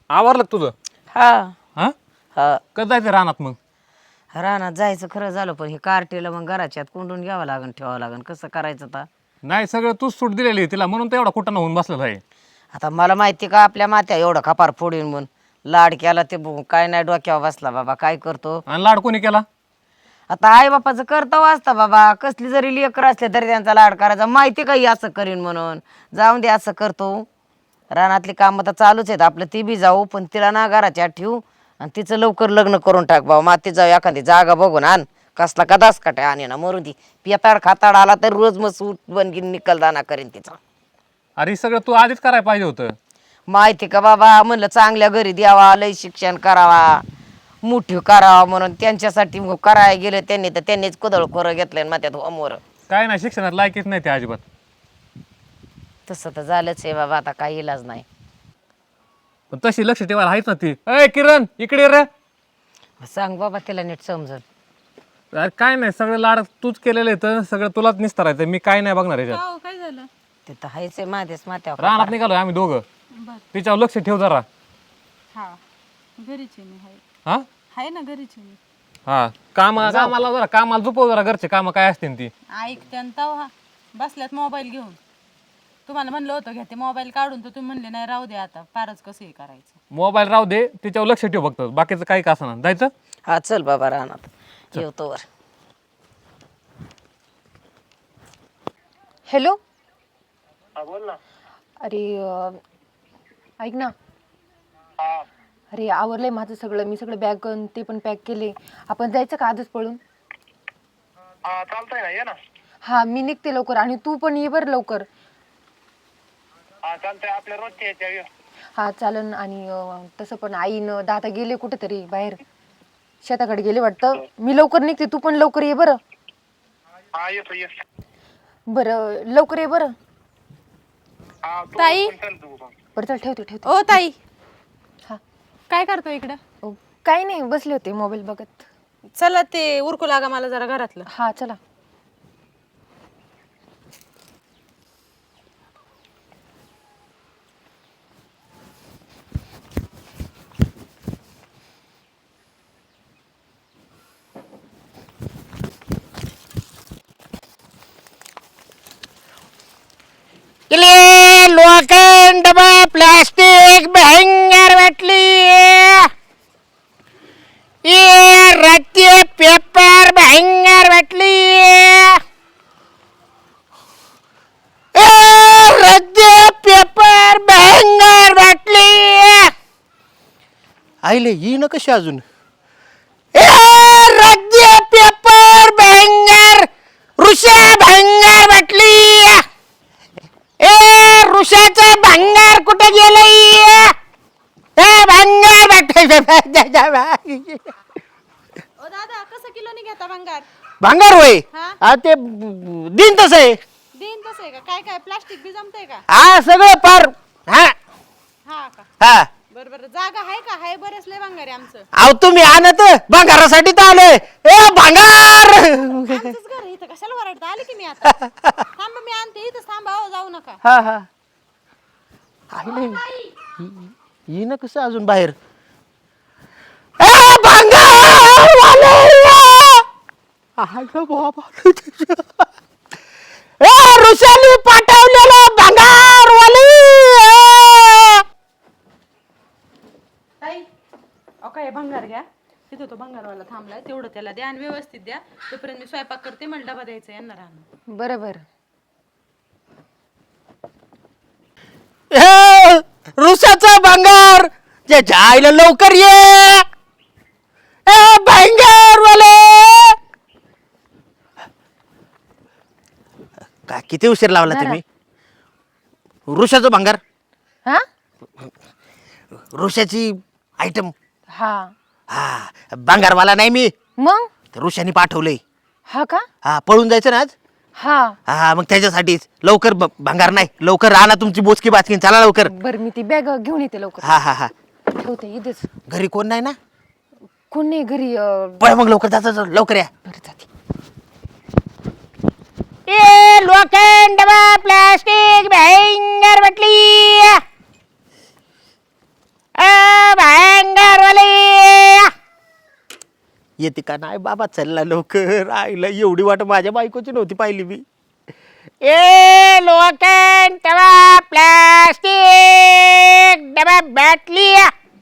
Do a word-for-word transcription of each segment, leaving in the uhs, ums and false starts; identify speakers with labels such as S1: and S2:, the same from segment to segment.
S1: आवरलं का तुझं?
S2: हा
S1: हा
S2: हा
S1: कधी जायचं रानात मग?
S2: रानात जायचं खरं झालं पण हे कार्टीला मग घराच्यात कोंडून घ्यावं लागन ठेवावं लागन कसं करायचं आता
S1: नाही सगळं तूच सूट दिलेली आहे तिला म्हणून तर एवढा कुठं होऊन बसलेला आहे.
S2: आता मला माहिती का आपल्या मात्या एवढं खपार फोडून म्हणून लाड केला ते बघून काय नाही डोक्यावर बसला बाबा काय करतो
S1: आणि लाड कोणी केला?
S2: आता आई बापाचं करता वाचता बाबा कसली जरी लेकर असले तरी त्यांचा लाड करायचा माहिती काही असं करीन म्हणून जाऊन दे असं करतो रानातली कामं तर चालूच आहेत आपलं ती बी जाऊ पण तिला ना घराच्या आत ठेवू आणि तिचं लवकर लग्न करून टाक बाबा माती जाऊ एखादी जागा बघून आण कसला कदाच काटे आणि ना मरू दे पिताड खाताड आला तर रोज मग सूट बनगीन निकलदाना करीन तिचा
S1: अरे सगळं तू आधीच करायला पाहिजे होतं.
S2: माहिती का बाबा म्हणलं चांगल्या घरी द्यावा लय शिक्षण करावा मोठी करावा म्हणून त्यांच्यासाठी मग करायला गेलं त्यांनी तर त्यांनीच कुदळ खोरं घेतलं मग त्यात अमोर
S1: काय नाही शिक्षणात लायकीच नाही ते अजिबात.
S2: तसं तर झालंच आहे बाबा आता काही इलाज नाही
S1: पण तशी लक्ष ठेवायला आहेच ना ती. अय किरण इकडे रे.
S2: सांग बाबा तिला नीट समजल
S1: अरे काय नाही सगळं लाड तूच केलेलं आहे तर सगळं तुलाच निस्तारायचं मी काय नाही बघणार याच्यात.
S3: हो काय झालं?
S2: ते तर हायच आहे माझ्याच मात्यावर
S1: रानात निघालोय आम्ही दोघं.
S3: बर
S1: तिच्यावर लक्ष ठेव जरा.
S3: हा घरीच आहे मी हाय
S1: हा
S3: हाय ना घरीच आहे मी
S1: हा काम कामाला जरा कामाला झोपव जरा घरचे काम काय असतील ती.
S3: ऐकते आणि तव हा बसल्यात मोबाईल घेऊन तुम्हाला म्हणलं होतं घ्या ते मोबाईल काढून तर तुम्ही म्हणले नाही राहू दे आता फारच कसं हे करायचं.
S1: मोबाईल राहू दे तिच्यावर लक्ष ठेव फक्त बाकीचं काही का असं जायचं.
S2: हा चल बाबा रानात येतो वर
S4: हॅलो
S5: हा बोल ना.
S4: अरे अं, ऐक ना
S5: हा
S4: अरे आवरलंय माझं सगळं मी सगळं बॅग ते पण पॅक केले आपण जायचं का आजच पळून
S5: हा चालतंय ना ये ना.
S4: हा मी निघते लवकर आणि तू पण ये बरं लवकर
S5: हा चालतंय आपल्या रोजच्या याच्या ये.
S4: हा चालन आणि अं, तसं पण आईनं दादा गेले कुठेतरी बाहेर शेताकडे गेले वाटतं मी लवकर निघते तू पण लवकर ये बरं
S5: हा येतो ये.
S4: बरं लवकर ये बरं
S5: हा तू
S3: ताई?
S5: पण चल तू पण.
S4: बरं चल ठेवते ठेवते
S3: ओ ताई
S4: हा
S3: काय करतो इकडं?
S4: अं, काही नाही बसले होते मोबाईल बघत
S3: चला ते उरकू लागा मला जरा घरातलं.
S4: हा चला
S2: लोखंड प्लास्टिक भयंकर वाटली ये रद्दी पेपर भयंकर वाटली रद्दी पेपर भयंकर वाटली
S6: आईले ही ना कशी अजून
S2: रद्दी पेपर भयंकर ऋषा भयंकर वाटली ए ऋषाचं भंगार कुठे गेलंय ए भंगार
S3: ओ दादा कसं किलोनी घेता भंगार?
S6: भांगार होय
S3: हा?
S6: हा ते दिन तसं आहे
S3: देईन तसं आहे का? काय काय प्लास्टिक बी जमतंय का?
S6: हा सगळं पार हा
S3: हा का
S6: हा
S3: बरं बरं जागा आहे का? हाय बरेच लय भंगार आहे आमचं.
S6: अहो तुम्ही आणत भांगारासाठी तर आलोय ए भांगार
S3: आमचंच घर आहे इथं कशाला वरडता आले की मी आता थांबा मी आणते इथं थांबा हो जाऊ नका.
S6: हा हा आईले ही ना कसं अजून बाहेर ए भांगार वाले अगं बाबा ए ऋषाली पाठवलेलं भांगार वाली
S3: ताई अहो काय भंगार घ्या तिथं तो भंगारवाला थांबलाय तेवढं त्याला द्या आणि व्यवस्थित द्या तोपर्यंत मी स्वयंपाक करते मला डबा द्यायचा यांना राहणं.
S4: बरं बरं
S6: ए, ऋषाचा भांगार त्याच्या आईला लवकर ये ए भांगार वाले काय किती उशीर लावला तुम्ही ऋषाचं भांगार
S4: हा
S6: ऋषाची आयटम
S4: हा
S6: हा भांगारवाला नाही मी
S4: मग
S6: तर ऋषाने पाठवलंय
S4: हा का
S6: हा पळून जायचं ना आज
S4: हा
S6: हा मग त्याच्यासाठीच लवकर ब- भांगार नाही लवकर राहा तुमची बोचकी बाचकीन चला लवकर
S4: बरं मी ती बॅग घेऊन येते लवकर
S6: हा हा हा
S4: ठेवते इथेच
S6: घरी कोण नाही ना
S4: कोण नाही घरी अं,
S6: पळ मग लवकर जायचं लवकर या
S4: बरं जाते
S2: ए लोखंड प्लास्टिक भयंकर वाटली
S6: येते का नाही बाबा चलला लवकर आईला एवढी वाट माझ्या बायकोची नव्हती पाहिली मी ए लोखंड डबा प्लास्टिक डबा बाटली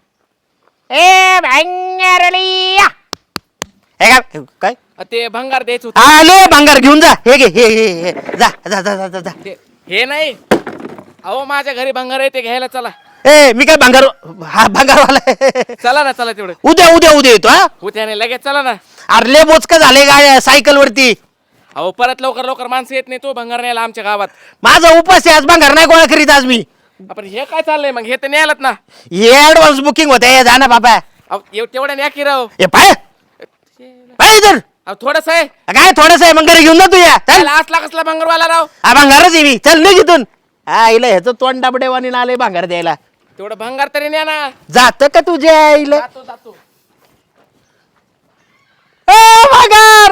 S6: ए भांगारली हे काय काय
S7: ते भंगार द्यायचं होतं
S6: आले भांगार घेऊन जा हे घे हे हे हे. जा जा जा जा जा जा
S7: ते हे नाही अहो माझ्या घरी भंगार आहे ते घ्यायला चला
S6: ए मी काय भांगार हा भांगारवाला आहे.
S7: चला ना चला तेवढं
S6: उद्या उद्या उद्या येतो हा
S7: उद्याने लगेच चला ना
S6: अरे बोचका झाले गाड्या सायकल वरती
S7: अहो परत लवकर लवकर माणसं येत नाही तो भंगार न्यायला आमच्या गावात
S6: माझा उपास आहे आज भांगार नाही गोळा करीत आज मी
S7: आपण हे काय चाललंय मग हे तर न्यायलात ना
S6: हे ऍडव्हान्स बुकिंग होते जा ना बाबा
S7: अहो एव- तेवढ्या न्या की राव
S6: ए पाय पाय इधर
S7: अहो थोडस आहे
S6: काय थोडस आहे मग घरी घेऊन जा तू या चल
S7: त्याला असला कसला भंगारवाला राव
S6: हा भांगारच आहे मी चल निघ इथून हा इला ह्याचं तोंड डाबडेवानी आलंय भांगार द्यायला
S7: तेवढं भंगार तरी न्या ना
S6: जात का तुझ्या आईला
S7: जातो जातो
S6: ए भांगार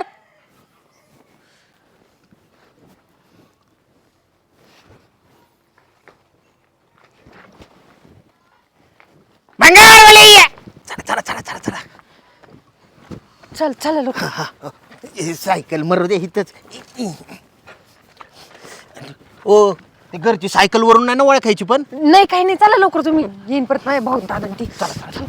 S6: भांगारवाले ये. चला चला चला चला चला
S4: चल चल लोक
S6: हे सायकल मरू दे इथंच ओ ते घरची सायकल वरून नाही ना ओळखायची पण
S4: नाही काही नाही चला लवकर तुम्ही येईन परत माझ्या भाऊ दादा ती चला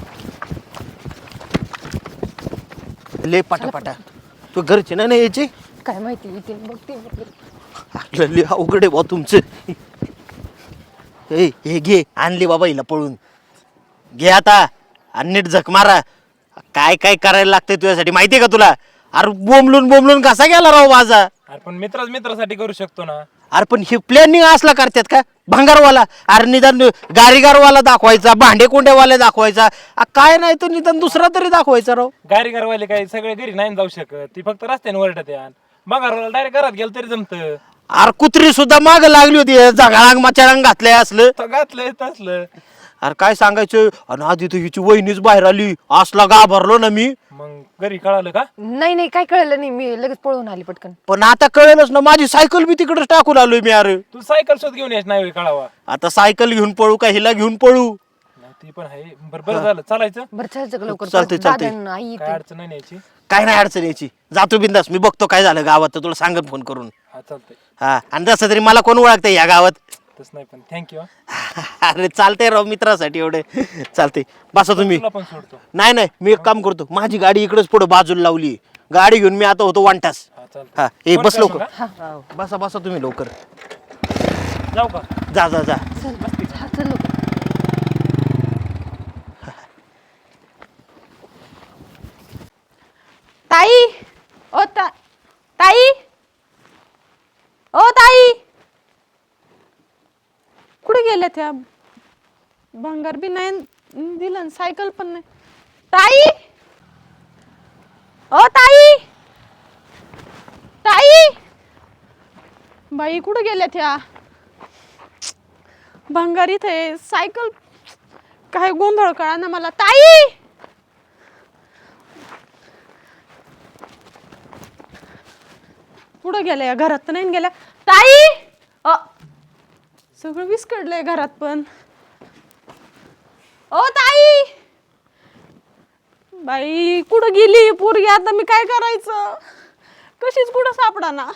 S6: ले पाटा तू घरची नाही ना यायची
S4: काय माहिती इथे बघते
S6: आपलं लय अवघड आहे बा तुमचं ए हे घे आणली बाबा हिला पळून घे आता आणि नीट झक मारा काय काय करायला लागतंय तुझ्यासाठी माहितीये का तुला अरे बोंबलून बोंबलून कसा गेला राव माझा
S1: अरे पण मित्रच मित्रासाठी करू शकतो ना
S6: अरे पण हे प्लॅनिंग असला करतात का भंगारवाला अरे निदान गारीगारवाला दाखवायचा भांडे कोंड्यावाला दाखवायचा अ, काय नाही तर निदान दुसरा तरी दाखवायचा राव
S1: गाडी घरवाले काय सगळे घरी नाही जाऊ शकत ती फक्त रस्त्याने वरडत यान मग डायरेक्ट घरात गेलं तरी जमत
S6: अरे कुत्री सुद्धा माग लागली होती जगाळांग मचाळांग घातलंय असलं
S1: घातलंय तसलं
S6: अरे काय सांगायचं आणि आधी तर हिची वहिनीच बाहेर आली असला घाबरलो ना मी
S1: मग घरी कळालं का
S4: नाही नाही काय कळलं नाही मी लगेच पळून आली पटकन
S6: पण आता कळेलच ना माझी सायकल बी तिकडेच टाकून आलोय मी अरे
S1: तू सायकल शोध घेऊन यायच नाही कळावा
S6: आता सायकल घेऊन पळू का हिला घेऊन पळू
S1: नाही, ती पण आहे बरं बरं झालं चालायचं
S4: बरं चल लवकर
S6: चालतंय, चालतंय.
S4: दादा आणि आई
S1: काय
S4: इथे.
S1: अडचण नाही यायची
S6: काय नाही अडचण यायची जातो बिंदास मी बघतो काय झालं गावात तर तुला सांगत फोन करून
S1: हा चालतंय
S6: हा आणि तसं तरी मला कोण ओळखतंय या गावात
S1: तस नाही पण थँक्यू
S6: अरे चालतंय राव मित्रासाठी एवढे चालतंय बसा तुम्ही
S1: तुला पण सोडतो
S6: नाही नाही मी एक काम करतो माझी गाडी इकडेच पुढे बाजूला लावली गाडी घेऊन मी आता होतो वांटास
S1: हा चालतंय
S6: हा ए
S1: फोन
S6: बस
S1: कर
S6: लवकर
S1: मग,
S6: हा, बसा बसा तुम्ही लवकर
S1: जाऊ का
S6: जा जा जा
S4: हा, चल लवकर
S3: ताई ओ ता ताई ओ ताई कुठे गेल्या त्या भंगार बी नाही न- दिलं न सायकल पण नाही ताई ओ ताई ताई बाई कुठे गेल्या त्या भंगार इथे सायकल काय गोंधळ कळा ना मला ताई कुठं गेल्या घरात तर नाही गेल्या ताई अ सगळं विस्कडलंय घरात पण ओ ताई बाई कुठं गेली पोरगी आता मी काय करायचं कशीच कुठं सापडा ना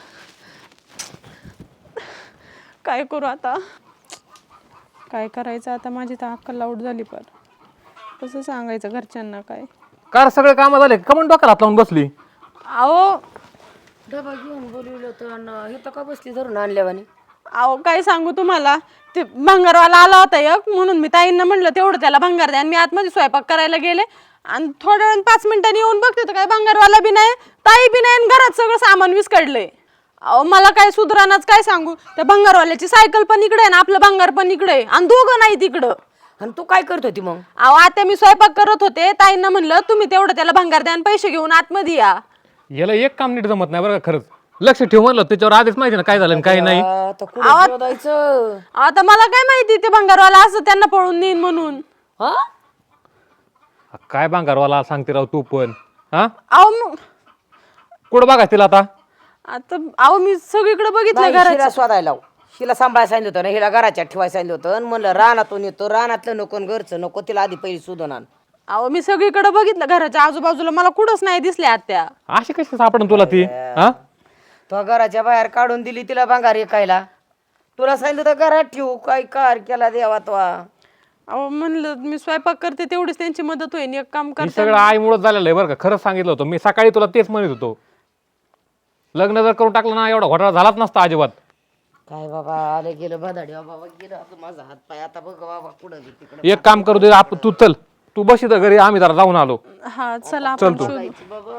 S3: काय करू आता काय करायचं आता माझी तर अक्कल आऊट झाली पण कसं सांगायचं घरच्यांना काय
S1: कार सगळे काम झाले का म्हणून डोक्याला हात लावून बसली
S3: अहो
S2: डबा घेऊन बोलवलं होतं हे तर का बसली धरून आणल्यावानी
S3: अहो काय सांगू तुम्हाला ते भंगारवाला आला होता एक म्हणून मी ताईंना म्हणलं तेवढं त्याला भंगार द्या आणि मी आतमध्ये स्वयंपाक करायला गेले आणि थोड्या वेळ पाच मिनिटांनी येऊन बघते तर काय भंगारवाला बी नाही ताई बी नाही आणि घरात सगळं सामान विस्कडलंय अहो मला काय सुधरानाच काय सांगू त्या भंगारवाल्याची सायकल पण इकडे आहे ना आपलं भंगार पण इकडे आहे आणि दोघं नाही तिकडं
S2: आणि तू काय करत होती मग
S3: अहो आता मी स्वयंपाक करत होते ताईंना म्हणलं तुम्ही तेवढं त्याला भंगार द्या आणि पैसे घेऊन आतमध्ये या
S1: याला एक काम नीट जमत नाही बरं का खरंच लक्ष ठेव म्हणलं त्याच्यावर आधीच माहिती ना काय झालं आणि काय नाही
S2: आता कुठं शोधायचं
S3: आता मला काय माहिती ते भंगारवाला असं त्यांना पळून नेईन म्हणून
S2: हा
S1: काय भांगारवाला सांगते राव तू पण हा
S3: अहो मग
S1: कुठं बघा तिला आता
S3: आता अहो मी सगळीकडे बघितलं
S2: नाही,
S3: घरात
S2: हिला शोधायला लाव. हिला सांभाळायला सांगितलं होतं ना हिला घराच्या ठेवायला सांगितलं होतं आणि म्हणलं रानातून येतो रानातलं नको आणि घरचं नको तिला आधी पहिली शोधून आण
S3: अहो मी सगळीकडे बघितलं घराच्या आजूबाजूला, मला कुठंच नाही दिसले आत्या.
S1: अशी कशी सापडन तुला ती हा?
S2: तो घराच्या बाहेर काढून दिली तिला भांगार विकायला. तुला सांगितलं तर घरात ठेवू, काय कार केला देवा तो.
S3: अहो म्हणलं मी स्वयंपाक करते तेवढीच त्यांची मदत होईल, एक काम
S1: हे
S3: करते.
S1: सगळं आईमुळेच झालेलं आहे बरं का. खरंच सांगितलं होतं मी सकाळी तुला, तेच म्हणत होतो. लग्न जर करून टाकलं ना एवढा घोटाळा झालाच नसता अजिबात.
S2: काय बाबा आलं गेलं बदाडी बाबा गेलं आता माझा हात पाय. आता बघ बाबा कुठं बी तिकडं.
S1: एक काम करू दे आप तू चल, तू बस इथं घरी, आम्ही जरा जाऊन आलो.
S3: हा चला आपण
S1: तू.
S3: शोधू.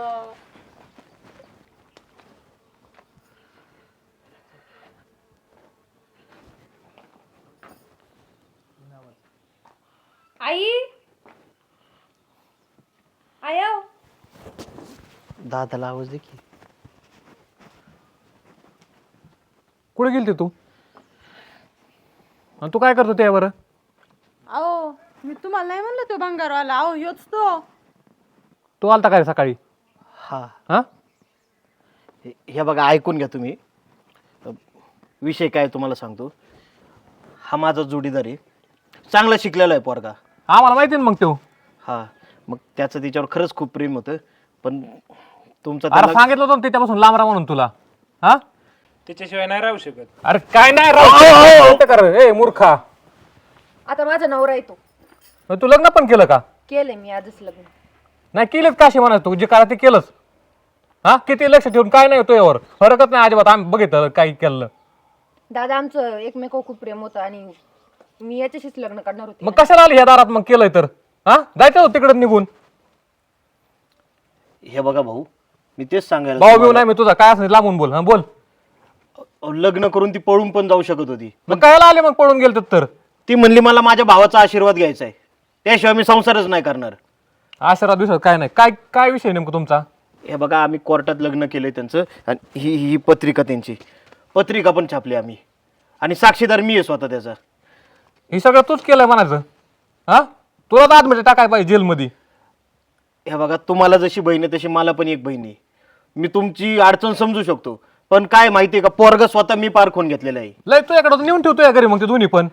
S4: आई आया
S6: दादाला आवाज दे की.
S1: कुठे गेलती तू? आणि तू काय करतो त्यावर?
S3: अहो मी तुम्हाला नाही म्हणलं तो भंगारवाला, अहो योच तो.
S1: तू आलता काय सकाळी?
S6: हा
S1: हा
S6: हे हे बघा ऐकून घ्या तुम्ही. विषय काय तुम्हाला सांगतो. हा माझा जोडीदार आहे, चांगला शिकलेला आहे पोरगा.
S1: आम्हाला माहिती ना मग तो.
S6: हा मग त्याचं तिच्यावर खरंच खूप प्रेम होतं, पण तुमचं
S1: अरे
S6: त्याला-
S1: सांगितलं होतं ना त्याच्यापासून लांब राहा म्हणून तुला. हा
S7: त्याच्याशिवाय नाही राहू शकत.
S1: अरे काय नाही राव कर ए मूर्खा.
S4: आता माझा नवरा येतो.
S1: मग तू लग्न पण केलं का?
S4: केलंय मी आजच लग्न.
S1: नाही केलंच का अशी म्हणायचं तू जे करा ते केलंच. हा किती लक्ष ठेवून काय नाही होतो यावर फरकच नाही अजिबात. आम्ही बघितलं काय केलं.
S4: दादा आमचं एकमेकावर खूप प्रेम होतं आणि मी याच्याशीच लग्न करणार होते.
S1: मग कशाला आली ह्या दारात मग केलंय तर? हा जायचं होतं तिकडे निघून.
S6: हे बघा भाऊ, मी तेच सांगायला
S1: भाऊ बिऊ
S6: तुम्हाला-
S1: नाही मी तुझा काय असं लांबून बोल. हा बोल.
S6: अहो, लग्न करून ती पळून पण जाऊ शकत होती.
S1: मग कायला आले मग पळून गेलं तर?
S6: ती म्हणली मला माझ्या भावाचा आशीर्वाद घ्यायचा आहे, त्याशिवाय मी संसारच नाही करणार.
S1: आशीर्वाद दिवसात काय नाही. काय काय विषय नेमकं तुमचा?
S6: हे बघा आम्ही कोर्टात लग्न केलंय त्यांचं, आणि ही ही पत्रिका त्यांची पत्रिका पण छापली आम्ही, आणि साक्षीदार मी आहे स्वतः त्याचा.
S1: हे सगळं तूच केलंय म्हणायचं. हा तुला तर आतमध्ये टाकाय पाहिजे जेलमध्ये.
S6: हे बघा तुम्हाला जशी बहीण आहे तशी मला पण एक बहीण आहे. मी तुमची अडचण समजू शकतो, पण काय माहितीये का, पोरग स्वतः मी पार खून घेतलेला आहे.
S1: लय तुझ्याकडे नेऊन ठेवतो या घरी मग ते दोन्ही पण.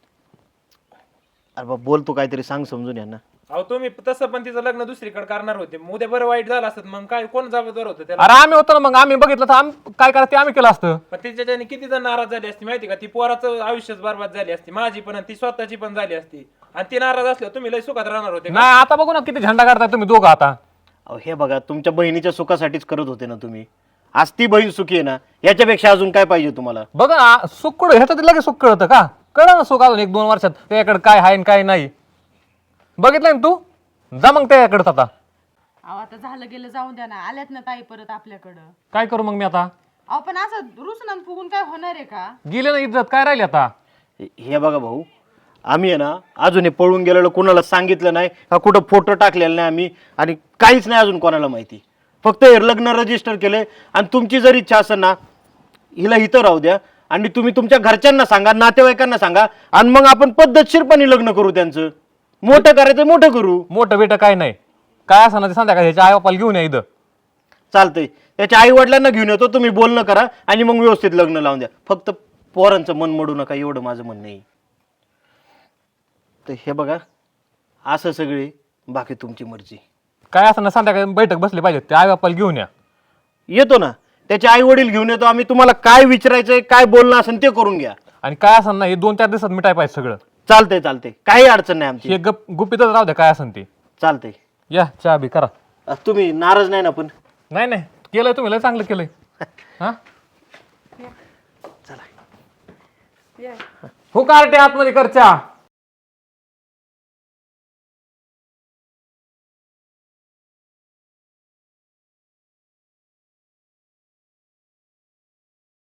S6: अरे बाबा बोल तू काहीतरी सांग समजून यांना.
S7: अहो तुम्ही तसं पण तिचं लग्न दुसरीकडे करणार होते, मग उद्या बरं वाईट झालं असत मग काय कोण जबाबदार होतं त्याला?
S1: अरे आम्ही होतो ना मग, आम्ही बघितलं तर आम्ही काय करायचं ते आम्ही केलं असतं.
S7: पण तिच्याच्याने किती जण नाराज झाली असती माहिती का? ती पोराचं आयुष्यच बरबाद झाली असती, माझी पण आणि ती स्वतःची पण झाली असती. आणि ती नाराज असल्यावर तुम्ही लय सुखात राहणार होते का?
S1: नाही आता बघू ना किती झंडा काढताय तुम्ही दोघं आता.
S6: अहो हे बघा तुमच्या बहिणीच्या सुखासाठीच करत होते ना तुम्ही. आज ती बहीण सुखी आहे ना, याच्यापेक्षा अजून काय पाहिजे तुम्हाला?
S1: बघा ना सुख कुठं ह्याचं लगेच सुख कळतं का? कळलं ना सुख अजून एक दोन वर्षात त्याच्याकडे काय आहे आणि काय नाही. बघितलं ना तू? जा मग त्याच्याकडे आता.
S3: अहो आता झालं गेलं जाऊन द्या ना, आल्यात ना ताई परत आपल्याकडं.
S1: काय करू मग मी आता?
S3: अहो पण असं रुसणान फुगून काय होणार आहे का?
S1: गेले ना इज्जत काय राहिली आता?
S6: हे- हे बघा भाऊ, आम्ही आहे ना अजून हे पळून गेलेलो कोणाला सांगितलं नाही का, कुठं फोटो टाकलेला नाही आम्ही, आणि काहीच नाही अजून कोणाला माहिती. फक्त हे लग्न रजिस्टर केलंय, आणि तुमची जर इच्छा असेल ना हिला इथं राहू द्या, आणि तुम्ही तुमच्या घरच्यांना सांगा, नातेवाईकांना सांगा, आणि मग आपण पद्धतशीरपणे लग्न करू. त्यांचं मोठं करायचं मोठं करू.
S1: मोठं बेटं काय नाही, काय असं ना ते संध्याकाळी ह्याच्या आई बापाला घेऊन या इथं.
S6: चालतंय, त्याच्या आई वडिलांना घेऊन येतो, तुम्ही बोलणं करा आणि मग व्यवस्थित लग्न लावून द्या. फक्त पोरांचं मन मोडू नका, एवढं माझं म्हणणं आहे. तर हे बघा असं सगळे, बाकी तुमची मर्जी.
S1: काय असं ना संध्याकाळी बैठक बसली पाहिजे, ते आई बापाला घेऊन या.
S6: येतो ना, त्याचे आई वडील घेऊन येतो आम्ही. तुम्हाला काय विचारायचंय, काय बोलणं असेल ते करून घ्या.
S1: आणि काय असं ना हे दोन चार दिवसात मिटाय पाहिजे सगळं.
S6: चालतंय चालतंय, काही अडचण नाही आमची.
S1: हे गप गुपितच राहू द्या काय असेल ते.
S6: चालतंय.
S1: या चहा बी करा.
S6: अ, तुम्ही नाराज नाही ना? पण
S1: नाही नाही केलंय तुम्ही, लय चांगलं केलंय. हा हो कार्टे आतमध्ये कर चहा.